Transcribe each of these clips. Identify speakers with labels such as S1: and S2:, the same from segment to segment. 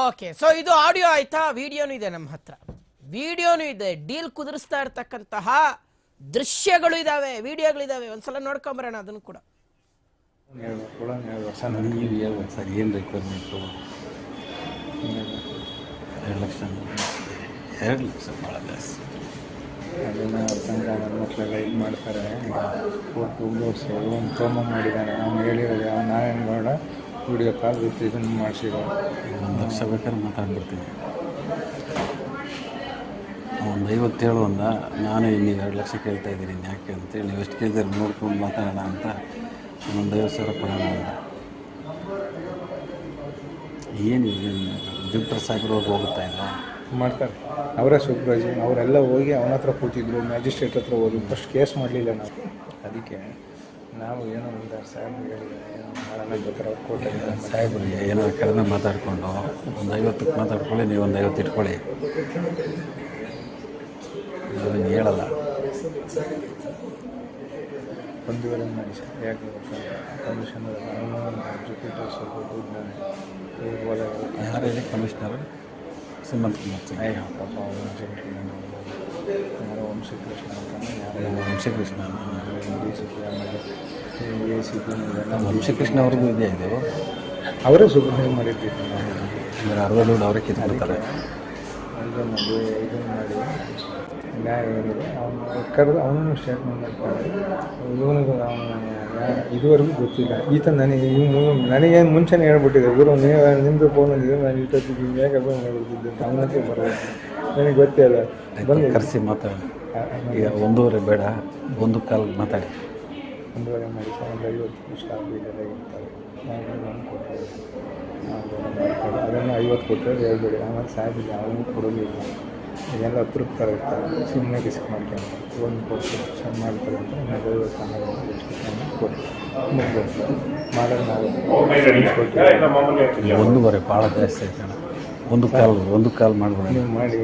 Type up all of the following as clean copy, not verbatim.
S1: Okay, so ಇದು audio ಆಯ್ತಾ? ವಿಡಿಯೋನು ಇದೆ ನಮ್ಮ ಹತ್ರ, ವಿಡಿಯೋನು ಇದೆ. ಡೀಲ್ ಕುದುರಿಸ್ತಾ ಇರ್ತಕ್ಕಂತಹ ದೃಶ್ಯಗಳು ಇದಾವೆ, ವಿಡಿಯೋಗಳಿದಾವೆ. ಒಂದ್ಸಲ ನೋಡ್ಕೊಂಬರೋಣ ಅದನ್ನು ಕೂಡ.
S2: ಸರ್ ಏನು ರಿಕ್ವೈರ್ಮೆಂಟು? 2 ಲಕ್ಷ ಭಾಳ ಜಾಸ್ತಿ.
S3: ಅದನ್ನು ತಂಗ ನನ್ನ ಮಕ್ಕಳೆಲ್ಲ ಇದು ಮಾಡ್ತಾರೆ. ಕೊಟ್ಟು ಓಡಿಸಿ ಒಂದು ಪ್ರೋಮೋ ಮಾಡಿದ್ದಾನೆ, ಅವ್ನು ಹೇಳಿರೋದು ನಾರಾಯಣಗೌಡ ವಿಡಿಯೋ ಕಾಲ್ ವಿತ್ ಇದನ್ನು ಮಾಡಿಸಿರೋ.
S2: 1 ಲಕ್ಷ ಬೇಕಾದ್ರೆ ಮಾತಾಡ್ಬಿಡ್ತೀನಿ. 50 ಅಂದ, ನಾನು ನೀವು 2 ಲಕ್ಷ ಕೇಳ್ತಾ ಇದ್ದೀನಿ ಯಾಕೆ ಅಂತೇಳಿ, ನೀವು ಎಷ್ಟು ಕೇಳಿದ್ರೆ ನೋಡ್ಕೊಂಡು ಮಾತಾಡೋಣ ಅಂತ 50,000 ಕೊಡೋಣ ಅಂತ. ಏನು ಜಿಪ್ಟರ್ ಸಾಹೇಬ್ರವ್ರು ಹೋಗುತ್ತಾ ಇಲ್ಲ
S3: ಮಾಡ್ತಾರೆ ಅವರೇ ಸೂಪ್ರೈಸು. ಅವರೆಲ್ಲ ಹೋಗಿ ಅವನ ಹತ್ರ ಕೂತಿದ್ರು, ಮ್ಯಾಜಿಸ್ಟ್ರೇಟ್ ಹತ್ರ ಹೋಗಿ ಫಸ್ಟ್ ಕೇಸ್ ಮಾಡಲಿಲ್ಲ ನಾವು. ಅದಕ್ಕೆ ನಾವು ಏನೋ ಒಂದು ಸಾಹೇಬ್ರು ಹೇಳಿದ್ದಾರೆ, ಏನೋ ಮಾಡೋಣ ಬೇಕಾದ್ರೆ ಅವ್ರು ಕೊಟ್ಟಿದ್ದಾರೆ.
S2: ಸಾಹೇಬ್ರಿಗೆ ಏನೋ ಕಡಿಮೆ ಮಾತಾಡಿಕೊಂಡು ಒಂದು 50ಕ್ಕೆ ಮಾತಾಡ್ಕೊಳ್ಳಿ, ನೀವು ಒಂದು 50 ಇಟ್ಕೊಳ್ಳಿ. ಅದನ್ನು ಹೇಳಲ್ಲ.
S3: 1.5 ಮಾಡಿ ಸರ್, ಯಾಕೆ ಕಮಿಷನ್ ಅವನು ಎಜುಕೇಟರ್ ಸ್ವಲ್ಪ ದುಡ್ಡಾನೆ
S2: ಯಾರು ಹೇಳಿ ಕಮಿಷನರು? ಸುಮಂತ್ ಕುಮಾರ್ ಸಿಂಗ್.
S3: ಅಯ್ಯೋ ಪಾಪ ಅವನು ಜೆಂಟ್ಲ್ಮನ್, ಯಾರೋ ವಂಶಕೃಷ್ಣ ಅಂತಾನೆ, ಯಾರೋ
S2: ವಂಶಕೃಷ್ಣ
S3: ಡಿ ಸಿ ಪಿ, ಆಮೇಲೆ ಎ ಸಿ ಪಿ.
S2: ವಂಶಕೃಷ್ಣ ಅವ್ರಿಗೂ ಇದೆ ಇದು.
S3: ಅವರೇ ಸೂಪರ್ವೈಸ್ ಮಾಡಿರ್ತೀವಿ ನಾವು.
S2: ಅಂದರೆ ಅರ್ಧ ದುಡ್ಡು ಅವರೇ ಕಿತ್ಕೊಳ್ತಾರೆ.
S3: ಇದನ್ನು ಮಾಡಿ ನ್ಯಾಯ ಏನಿದೆ ಅವನು ಕರೆದು ಅವನನ್ನು ಸ್ಟೇಟ್ಮೆಂಟ್ ಮಾಡ್ತಾರೆ. ಇವನಿಗೂ ಅವನು ಇದುವರೆಗೂ ಗೊತ್ತಿಲ್ಲ ಈತ. ನನಗೇನು ಮುಂಚೆನೇ ಹೇಳ್ಬಿಟ್ಟಿದೆ, ಗುರು ನೀವು ನಿಮ್ಮದು ಫೋನ್ ಅಂದಿದೆ, ನಾನು ಇಷ್ಟೊತ್ತಿಗೆ ಹೇಗೆ ಫೋನ್ ಮಾಡ್ಬಿಟ್ಟಿದ್ದೆ ಅವನಕ್ಕೆ ಬರೋದು ನನಗೆ ಗೊತ್ತೇ ಇಲ್ಲ.
S2: ಬಂದು ಕರೆಸಿ ಮಾತಾಡಿ. ಈಗ 1.5 ಬೇಡ, 1 ಮಾತಾಡಿ.
S3: 1.5 ಮಾಡಿ ಸರ್, ಒಂದು 50 ಸ್ಟಾಫ್ ಇದೆಲ್ಲ ಇರ್ತಾರೆ. ನಾನು ಕೊಟ್ಟರೆ ಅದನ್ನು 50 ಕೊಟ್ಟರೆ ಹೇಳ್ಬೇಡಿ. ಆಮೇಲೆ ಸಾಹೇಬಿಗೆ ಯಾವಾಗಲೂ ಕೊಡೋದಿಲ್ಲ, ಎಲ್ಲ ತೃಪ್ತರ ಇರ್ತಾರೆ, ಸುಮ್ಮನೆ ರಿಸ್ಕ್ ಮಾಡ್ಕೊಂಡು ಒಂದು ಕೊಟ್ಟು ಚೆಂದ ಮಾಡ್ತಾರೆ ಅಂತ. ಇನ್ನೊಂದು 50 ಎಷ್ಟು ಕೊಟ್ಟು ಮುಗಿದು ಮಾಡೋದು ನಾವು ಕೊಟ್ಟು
S2: 1.5 ಭಾಳ ಜಾಸ್ತಿ ಆಯ್ತು. 1 ಕಾಲ್ ಮಾಡ್ಬೇಡ.
S3: ನೀವು ಮಾಡಿ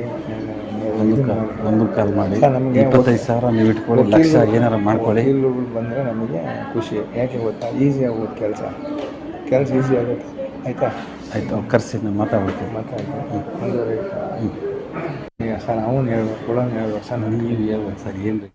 S2: 1 ಕಾಲ್ ಮಾಡಿ 25,000 ನೀವು ಇಟ್ಕೊಳ್ಳಿ, ಲಕ್ಷ ಏನಾರು ಮಾಡ್ಕೊಳ್ಳಿ.
S3: ವಕೀಲರುಗಳು ಬಂದರೆ ನಮಗೆ ಖುಷಿ. ಯಾಕೆ ಗೊತ್ತಾ, ಈಸಿ ಆಗೋದು ಕೆಲಸ ಈಸಿ ಆಗುತ್ತೆ. ಆಯಿತಾ?
S2: ಆಯಿತು, ಕರೆಸಿ ನಾನು ಮಾತಾಡ್ತೀನಿ.
S3: ಈಗ ಸರ್ ಅವನು ಹೇಳ್ಬೇಕು, ಕೊಡೋನು ಹೇಳ್ಬೇಕು ಸರ್.
S2: ನೀವು ಹೇಳ್ಬೇಕು ಸರ್, ಏನು